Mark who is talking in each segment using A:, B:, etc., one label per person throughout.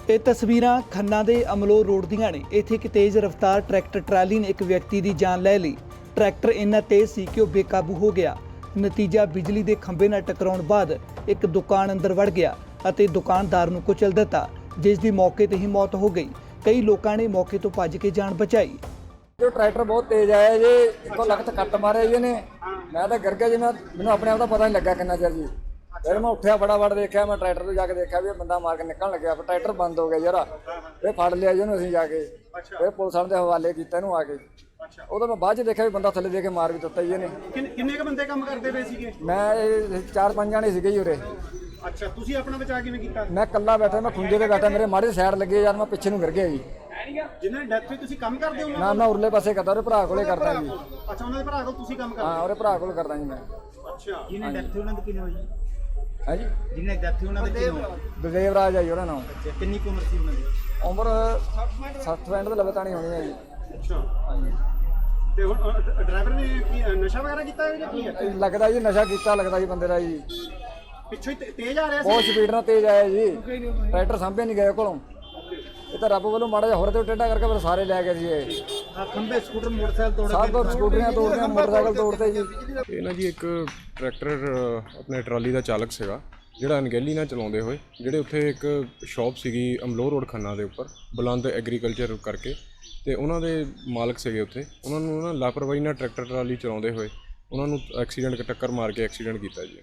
A: ਇਹ ਤਸਵੀਰਾਂ ਖੰਨਾ ਦੇ ਅਮਲੋਹ ਰੋਡ ਦੀਆਂ ਨੇ। ਇੱਥੇ ਇੱਕ ਤੇਜ਼ ਰਫ਼ਤਾਰ ਟਰੈਕਟਰ ਟਰਾਲੀ ਨੇ ਇੱਕ ਵਿਅਕਤੀ ਦੀ ਜਾਨ ਲੈ ਲਈ। ਟਰੈਕਟਰ ਇੰਨਾ ਤੇਜ਼ ਸੀ ਕਿ ਉਹ ਬੇਕਾਬੂ ਹੋ ਗਿਆ। ਨਤੀਜਾ ਬਿਜਲੀ ਦੇ ਖੰਭੇ ਨਾਲ ਟਕਰਾਉਣ ਬਾਅਦ ਇੱਕ ਦੁਕਾਨ ਅੰਦਰ ਵੜ ਗਿਆ ਅਤੇ ਦੁਕਾਨਦਾਰ ਨੂੰ ਕੁਚਲ ਦਿੱਤਾ, ਜਿਸ ਦੀ ਮੌਕੇ ਤੇ ਹੀ ਮੌਤ ਹੋ ਗਈ। ਕਈ ਲੋਕਾਂ ਨੇ ਮੌਕੇ ਤੋਂ ਭੱਜ ਕੇ ਜਾਨ ਬਚਾਈ।
B: जो ट्रैक्टर बहुत तेज आया जी, इको लखत कट मारे जी ने। मैं तो गिर गया जी, मैंने अपने आप का पता नहीं लगा कितना चिर जी। फिर मैं उठा फटाफट देखा, मैं ट्रैक्टर तो जाके देखा भी बंदा मार के निकलने लगे। ट्रैक्टर बंद हो गया यार, फिर फड़ लिया जी असं जाके, फिर पुलिस वाले के हवाले किया आके। उदों मैं बाद देखा भी बंदा थले दे के मार भी दिता जी ने।
C: किन्ने क बंदे काम करते पे सीगे?
B: मैं 4-5 जाने सीगे जी उरे।
C: अच्छा, तुसी अपना बचा किवें कीता?
B: मैं कल्ला बैठा, मैं खुंजे ते बैठा, मेरे माड़े साइड लगे यार, मैं पिछे नूं गिर गया जी।
C: जिन्हां दी डेथ होई तुसी काम करदे हो?
B: ना मैं उरले पासे करदा, उहदे भरा कोले करदा जी।
C: अच्छा, उन्हां दे भरा कोल तुसी काम
B: हाँ,
C: करदे?
B: उहदे भरा कोल करदा जी मैं।
C: अच्छा,
D: जिन्हें डेथ हुई उन्होंने किन्ने होई?
B: हां जी,
D: जिन्हें डेथ हुई उन्होंने किन्ने होई?
B: गुरदेव राज है जी उहदा नाम।
D: अच्छा, कितनी उम्र सी उन्होंने?
B: उम्र 60 ਦੇ ਲਗਾਤਾਰ ਨਹੀਂ ਹੋਣੀ ਹੈ ਜੀ।
C: अच्छा, ਤੇ ਹੁਣ ਡਰਾਈਵਰ ਨੇ ਕੀ ਨਸ਼ਾ ਵਗੈਰਾ ਕੀਤਾ ਹੈ ਜਾਂ ਕੀ ਹੈ?
B: ਲੱਗਦਾ ਜੀ ਨਸ਼ਾ ਕੀਤਾ ਲੱਗਦਾ ਜੀ ਬੰਦੇ ਦਾ ਜੀ।
C: ਪਿੱਛੋਂ ਹੀ ਤੇਜ਼ ਆ ਰਿਹਾ ਸੀ?
B: ਬਹੁਤ ਸਪੀਡ ਨਾਲ ਤੇਜ਼ ਆਇਆ ਜੀ, ਟਰੈਕਟਰ ਸਾਂਭੇ ਨਹੀਂ ਗਏ ਕੋਲੋਂ। ਇਹ ਤਾਂ ਰੱਬ ਵੱਲੋਂ ਮਾੜਾ ਜਿਹਾ ਹੋਰ ਤੇ ਟੇਢਾ ਕਰਕੇ ਫਿਰ ਸਾਰੇ ਲੈ ਗਏ ਜੀ। ਇਹ
D: खंबे स्कूटर मोटरसाइकिल तोड़
B: ਸਭ ਸਕੂਟਰੀਆਂ ਤੋੜਦੀਆਂ, ਮੋਟਰਸਾਈਕਲ ਤੋੜਦੇ ਜੀ।
E: ਇਹ ਨਾ ਜੀ ਇੱਕ ਟਰੈਕਟਰ ਆਪਣੇ ਟਰਾਲੀ ਦਾ ਚਾਲਕ ਸੀਗਾ ਜਿਹੜਾ ਅਣਗਹਿਲੀ ਨਾਲ ਚਲਾਉਂਦੇ ਹੋਏ, ਜਿਹੜੇ ਉੱਥੇ ਇੱਕ ਸ਼ਾਪ ਸੀਗੀ ਅਮਲੋਹ ਰੋਡ ਖੰਨਾ ਦੇ ਉੱਪਰ ਬੁਲੰਦ ਐਗਰੀਕਲਚਰ ਕਰਕੇ, ਤੇ ਉਹਨਾਂ ਦੇ ਮਾਲਕ ਸੀਗੇ ਉੱਥੇ। ਉਹਨਾਂ ਨੂੰ ਨਾ ਲਾਪਰਵਾਹੀ ਨਾਲ ਟਰੈਕਟਰ ਟਰਾਲੀ ਚਲਾਉਂਦੇ ਹੋਏ ਉਹਨਾਂ ਨੂੰ ਐਕਸੀਡੈਂਟ ਟੱਕਰ ਮਾਰ ਕੇ ਐਕਸੀਡੈਂਟ ਕੀਤਾ ਜੀ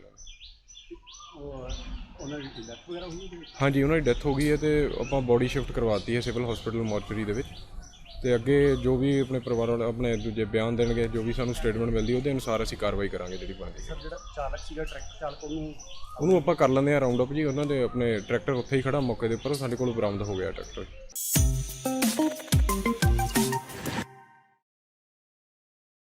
E: ਉਹਨਾਂ ਦੀ ਡੈਥ ਵਗੈਰਾ ਹੋਈ ਹੈ? ਹਾਂਜੀ, ਉਹਨਾਂ ਦੀ ਡੈਥ ਹੋ ਗਈ ਹੈ ਤੇ ਆਪਾਂ ਬੋਡੀ ਸ਼ਿਫਟ ਕਰਵਾਤੀ ਹੈ ਸਿਵਲ ਹਸਪੀਟਲ ਮੋਰਚਰੀ ਦੇ ਵਿੱਚ। ਤੇ ਅੱਗੇ ਜੋ ਵੀ ਆਪਣੇ ਪਰਿਵਾਰ ਵਾਲੇ ਆਪਣੇ ਦੂਜੇ ਬਿਆਨ ਦੇਣਗੇ, ਜੋ ਵੀ ਸਾਨੂੰ ਸਟੇਟਮੈਂਟ ਮਿਲਦੀ ਉਹਦੇ ਅਨੁਸਾਰ ਅਸੀਂ ਕਾਰਵਾਈ ਕਰਾਂਗੇ ਜਿਹੜੀ ਬਣਦੀ।
C: ਸਰ, ਜਿਹੜਾ ਚਾਲਕ ਸੀਗਾ ਟਰੈਕਟਰ ਚਾਲਕ,
E: ਉਹਨੂੰ ਆਪਾਂ ਕਰ ਲੈਂਦੇ ਹਾਂ ਰਾਉਂਡ ਅਪ ਜੀ। ਉਹਨਾਂ ਦੇ ਆਪਣੇ ਟਰੈਕਟਰ ਉੱਥੇ ਹੀ ਖੜਾ ਮੌਕੇ ਦੇ ਉੱਪਰ, ਸਾਡੇ ਕੋਲ ਬਰਾਮਦ ਹੋ ਗਿਆ ਟਰੈਕਟਰ।